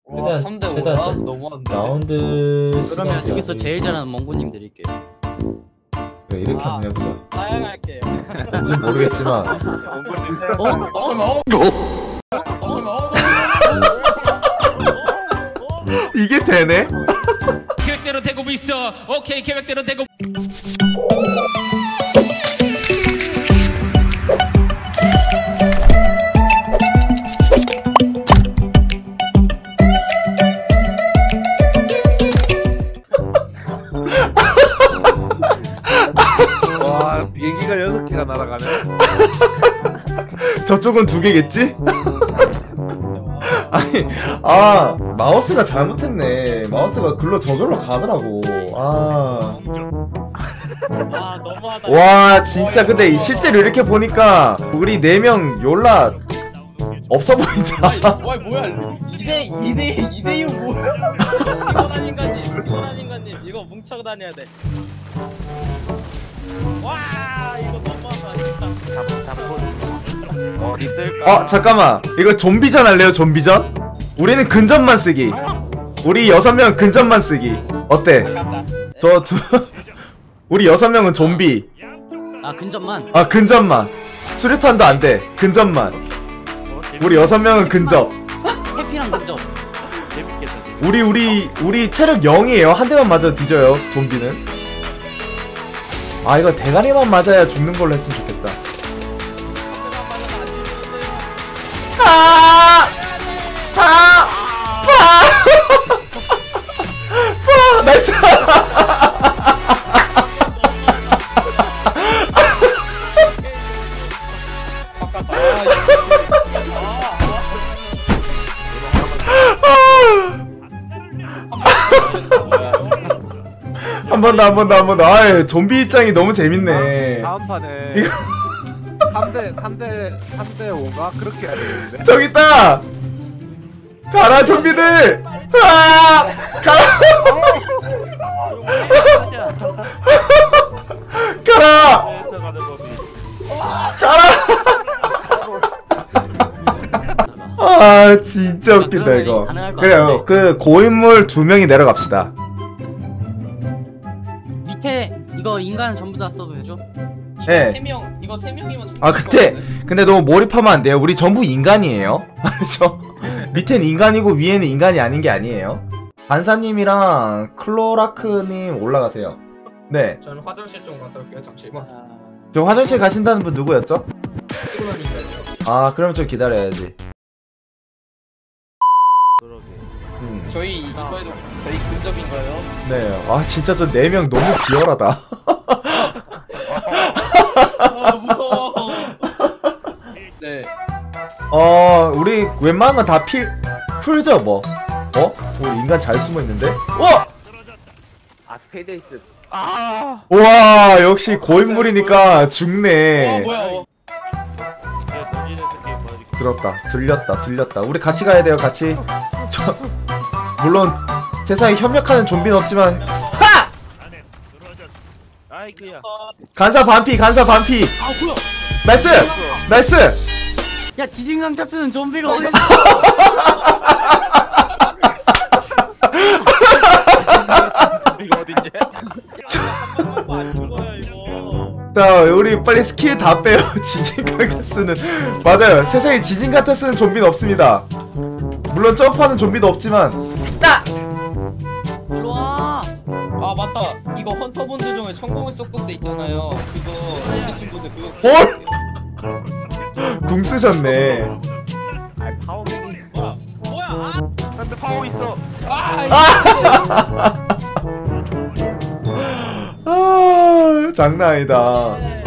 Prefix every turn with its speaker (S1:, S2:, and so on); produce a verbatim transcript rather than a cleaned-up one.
S1: 와, 삼 대 오야? 너무한데.
S2: 라운드
S3: 그러면
S2: 시간
S3: 여기서
S2: 제한이-
S3: 제일 잘하는 멍구님 드릴게요.
S2: 그래 이렇게
S4: 아.
S2: 한번 해보자.
S4: 사양할게요.
S2: 뭔진 모르겠지만
S3: 어?
S1: 어, 잠깐만. 어, 어, 잠깐만. 어,
S2: 이게 되네?
S5: 계획대로 되고 있어. 오케이, 계획대로 되고.
S6: 와, 비행기가 여섯 개가 날아가네.
S2: 저쪽은 두 개겠지? 아니, 아 마우스가 잘못했네. 마우스가 글로 저절로 가더라고. 아,
S4: 와 너무하다.
S2: 와 진짜 근데 이 실제로 이렇게 보니까 우리 네 명 졸라 없어 보인다.
S1: 아니, 와, 뭐야. 이 대 이 대 이 대 육 뭐야?
S4: 피곤한 인간님, 피곤한 인간님, 이거 뭉쳐 다녀야 돼. 와 이거 너무하다 진짜.
S6: 어디 있을까?
S2: 어 잠깐만, 이거 좀비전 할래요? 좀비전? 우리는 근접만 쓰기. 우리 여섯 명 근접만 쓰기 어때?
S4: 갔다.
S2: 저 두 우리 여섯 명은 좀비.
S3: 아 근접만.
S2: 아 근접만. 수류탄도 안 돼. 근접만. 우리 여섯 명은 근접.
S3: 해피랑 근접.
S6: 재밌겠다.
S2: 우리 우리 우리 체력 영이에요. 한 대만 맞아도 뒤져요. 좀비는. 아 이거 대가리만 맞아야 죽는 걸로 했으면 좋겠다. 아! 아! 아! 아! 나이스! 한 번 더, 한 번 더, 한 번 더. 아이, 좀비 입장이 너무 재밌네.
S6: 다음 판에
S2: 이거
S6: 삼 대 삼 대 삼 대 오가 그렇게 해야 되는데.
S2: 저기 있다! 가라, 좀비들! 아! 가라! 가라!
S6: 가는 법이.
S2: 가라! 아, 진짜 웃긴다,
S3: 그러면
S2: 이거.
S3: 가능할 것
S2: 그래요,
S3: 같은데.
S2: 그, 고인물 두 명이 내려갑시다.
S3: 밑에 이거 인간 전부 다 써도 되죠?
S2: 예.
S1: 세 명, 이거 세 명이면
S2: 아, 근데, 근데 너무 몰입하면 안 돼요. 우리 전부 인간이에요. 알죠? 밑엔 인간이고 위에는 인간이 아닌 게 아니에요. 반사님이랑 클로라크님 올라가세요. 네.
S1: 저는 화장실 좀 갔다 올게요. 잠시만.
S2: 저 화장실 가신다는 분 누구였죠?
S1: 피곤하니까요.
S2: 아, 그럼 좀 기다려야지.
S6: 그러게.
S2: 음.
S1: 저희 이거에도 저희 근접인가요?
S2: 네. 아, 진짜 저 네 명 너무 비열하다.
S1: 아, 무서워. 네.
S2: 어, 우리 웬만한 건 다 필, 풀죠, 뭐. 어? 우리 인간 잘 숨어 있는데? 어!
S6: 아 스페이데이스. 아.
S2: 우와, 역시 고인물이니까
S1: 어,
S2: 죽네.
S1: 뭐야? 어.
S2: 들었다. 들렸다. 들렸다. 우리 같이 가야 돼요, 같이. 저, 물론, 세상에 협력하는 좀비는 없지만. 하!
S6: 아이그야.
S2: 간사 반피, 간사 반피.
S3: 아 뭐야?
S2: 나이스! 나이스!
S3: 야 지진 강타 쓰는 좀비가 어디?
S6: 이거 어딨냐?
S4: 아닌 거야 이거.
S2: 자, 우리 빨리 스킬 다 빼요. 지진 카타스는. 맞아요. 세상에 지진 카타스는 좀비는 없습니다. 물론 점프하는 좀비도 없지만. 나!
S3: 일로 와.
S1: 아, 맞다. 이거 헌터분들 중에 천공을 쏘고 때 있잖아요. 그거 있으신 분들 그거.
S2: 뭘? 궁 쓰셨네.
S6: 아 파워맨이.
S4: 뭐야? 뭐야? 아,
S6: 한대 파워 있어.
S1: 아,
S2: 아, 장난 아니다.
S4: 네.